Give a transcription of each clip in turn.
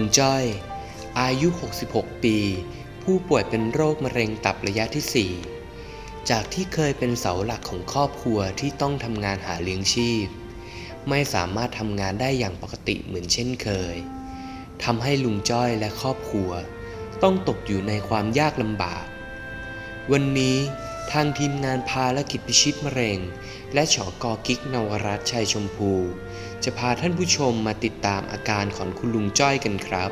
จ้อยอายุ 66 ปีผู้ป่วยเป็นโรคมะเร็งตับระยะที่ 4 จากที่เคยเป็นเสาหลักของครอบครัวที่ต้องทำงานหาเลี้ยงชีพไม่สามารถทำงานได้อย่างปกติเหมือนเช่นเคยทำให้ลุงจ้อยและครอบครัวต้องตกอยู่ในความยากลำบากวันนี้ทางทีมงานภารกิจพิชิตมะเร็งและฉก.กิ๊กนวรัตน์ชัยชมพูจะพาท่านผู้ชมมาติดตามอาการของคุณลุงจ้อยกันครับ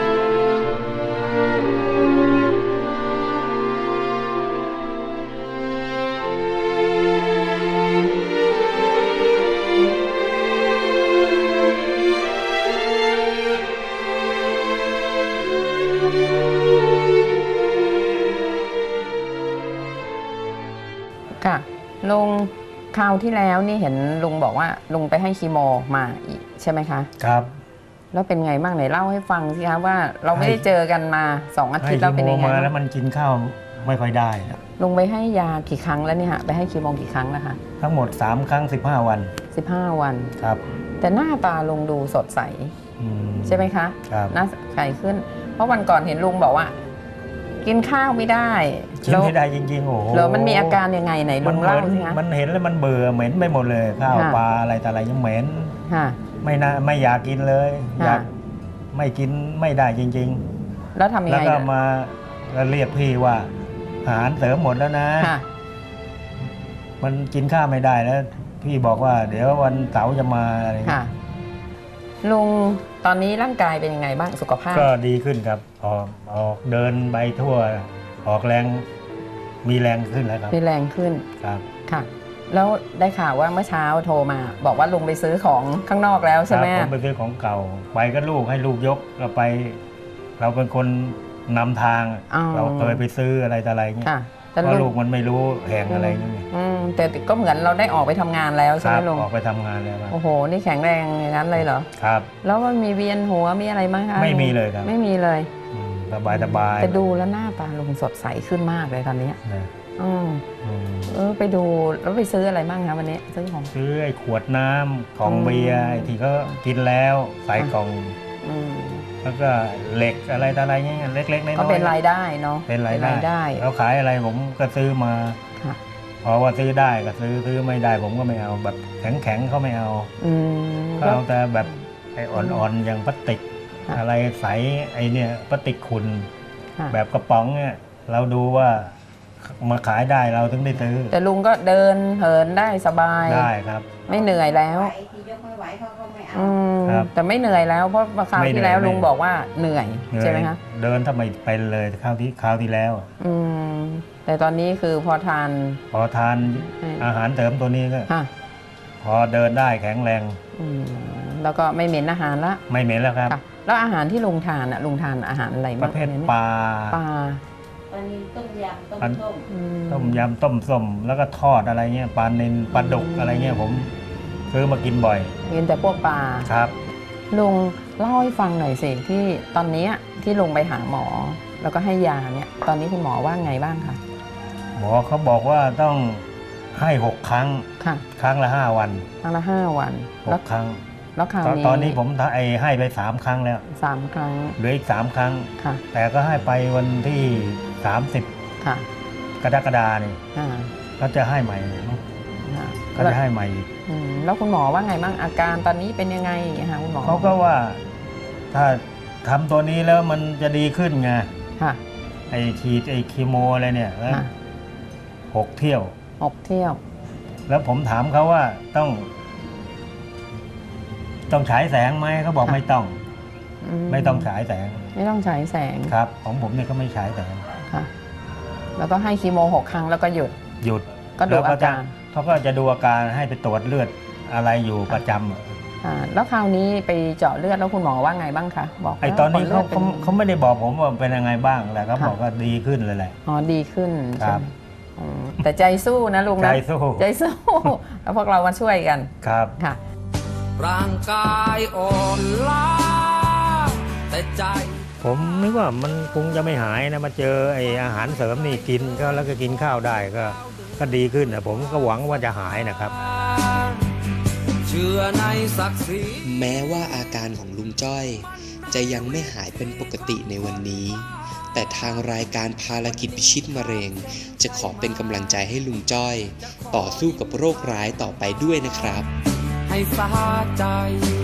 ค่ะลุงคราวที่แล้วนี่เห็นลุงบอกว่าลุงไปให้คีโมมาอีกใช่ไหมคะครับแล้วเป็นไงบ้างไหนเล่าให้ฟังสิคะว่าเราไม่ได้เจอกันมา2 อาทิตย์แล้วเป็นยังไงมาแล้วมันกินข้าวไม่ค่อยได้ลุงไปให้ยากี่ครั้งแล้วเนี่ยฮะไปให้คีโมกี่ครั้งแล้วคะทั้งหมด3 ครั้ง 15 วัน 15 วันครับแต่หน้าตาลุงดูสดใสใช่ไหมคะครับหน้าใสขึ้นเพราะวันก่อนเห็นลุงบอกว่ากินข้าวไม่ได้กินไม่ได้จริงๆโอ้โหแล้วมันมีอาการยังไงไหนลุงเล่าสิคะมันเห็นแล้วมันเบื่อเหม็นไปหมดเลยข้าวปลาอะไรแต่อะไรยังเหม็นไม่อยากกินเลยอยากไม่กินไม่ได้จริงๆแล้วทำยังไงแล้วก็มาเรียกพี่ว่าอาหารเสริมหมดแล้วนะมันกินข้าวไม่ได้แล้วพี่บอกว่าเดี๋ยววันเสาร์จะมาอะไรลุงตอนนี้ร่างกายเป็นยังไงบ้างสุขภาพก็ดีขึ้นครับออกเดินไปทั่วออกแรงมีแรงขึ้นแล้วครับมีแรงขึ้นครับค่ะแล้วได้ข่าวว่าเมื่อเช้าโทรมาบอกว่าลุงไปซื้อของข้างนอกแล้วใช่ไหมผมไปซื้อของเก่าไปก็ลูกให้ลูกยกเราไปเราเป็นคนนำทางเราเคยไปซื้ออะไรต่ออะไรเงี้ยเพราะลูกมันไม่รู้แห่งอะไรเงี้ยแต่ก็เหมือนเราได้ออกไปทำงานแล้วใช่ไหมลุงออกไปทำงานแล้วโอ้โหนี่แข็งแรงอย่างนั้นเลยเหรอครับแล้วมันมีเวียนหัวมีอะไรไหมคะไม่มีเลยครับไม่มีเลยสบายแต่ดูแล้วหน้าตาลุงสดใสขึ้นมากเลยตอนนี้ไปดูแล้วไปซื้ออะไรบ้างคะวันนี้ซื้อไอ้ขวดน้ำของเบียร์ที่เขากินแล้วใส่กล่องแล้วก็เหล็กอะไรต่ออะไรเงี้ยเล็กๆน้อยๆก็เป็นรายได้เนาะเป็นรายได้เราขายอะไรผมก็ซื้อมาพอว่าซื้อได้ก็ซื้อไม่ได้ผมก็ไม่เอาแบบแข็งเขาไม่เอาเขาเอาแต่แบบไอ้อ่อนๆอย่างพลาสติกอะไรใสไอ้เนี่ยพลาสติกขุ่นแบบกระป๋องเนี่ยเราดูว่ามาขายได้เราถึงได้ซื้อแต่ลุงก็เดินเหินได้สบายได้ครับไม่เหนื่อยแล้วแต่ไม่เหนื่อยแล้วเพราะคราวที่แล้วลุงบอกว่าเหนื่อยใช่ไหมคะเดินทำไมไปเลยคราวที่แล้วแต่ตอนนี้คือพอทานอาหารเสริมตัวนี้ก็พอเดินได้แข็งแรงแล้วก็ไม่เหม็นอาหารละไม่เหม็นแล้วครับแล้วอาหารที่ลุงทานลุงทานอาหารอะไรบ้างประเภทปลาต้มยำต้มส้มแล้วก็ทอดอะไรเงี้ยปลาเน้นปลาดุกอะไรเงี้ยผมซื้อมากินบ่อยกินแต่พวกปลาครับลุงเล่าให้ฟังหน่อยสิที่ตอนนี้ที่ลุงไปหาหมอแล้วก็ให้ยาเนี่ยตอนนี้คุณหมอว่าไงบ้างคะหมอเขาบอกว่าต้องให้6 ครั้งครั้งละ5 วันครั้งละ5 วัน 6 ครั้งแล้วคราวนี้ตอนนี้ผมให้ไป3 ครั้งแล้ว 3 ครั้งเหลืออีก3 ครั้งแต่ก็ให้ไปวันที่30กรกฎาคมนี่ก็จะให้ใหม่ก็จะให้ใหม่อีกแล้วคุณหมอว่าไงบ้างอาการตอนนี้เป็นยังไงคะคุณหมอเขาก็ว่าถ้าทำตัวนี้แล้วมันจะดีขึ้นไงไอ้ฉีดไอ้คีโมอะไรเนี่ย6 เที่ยวแล้วผมถามเขาว่าต้องฉายแสงไหมเขาบอกไม่ต้องฉายแสงไม่ต้องฉายแสงครับของผมเนี่ยก็ไม่ฉายแสงแล้วก็ให้คีโม6 ครั้งแล้วก็หยุดก็ดูอาการเขาก็จะดูอาการให้ไปตรวจเลือดอะไรอยู่ประจำแล้วคราวนี้ไปเจาะเลือดแล้วคุณหมอว่าไงบ้างคะบอกไอ้ตอนนี้เขาไม่ได้บอกผมว่าเป็นยังไงบ้างแต่เขาบอกว่าดีขึ้นเลยแหละดีขึ้นครับแต่ใจสู้นะลุงนะใจสู้แล้วพวกเรามาช่วยกันครับค่ะร่างกายอ่อนล้าแต่ใจผมนึกว่ามันคงจะไม่หายนะมาเจอไอ้อาหารเสริมนี่กินก็แล้วก็กินข้าวได้ก็ดีขึ้นนะผมก็หวังว่าจะหายนะครับเชื่อในศักดิ์ศรีแม้ว่าอาการของลุงจ้อยจะยังไม่หายเป็นปกติในวันนี้แต่ทางรายการภารกิจพิชิตมะเร็งจะขอเป็นกำลังใจให้ลุงจ้อยต่อสู้กับโรคร้ายต่อไปด้วยนะครับให้สาใจ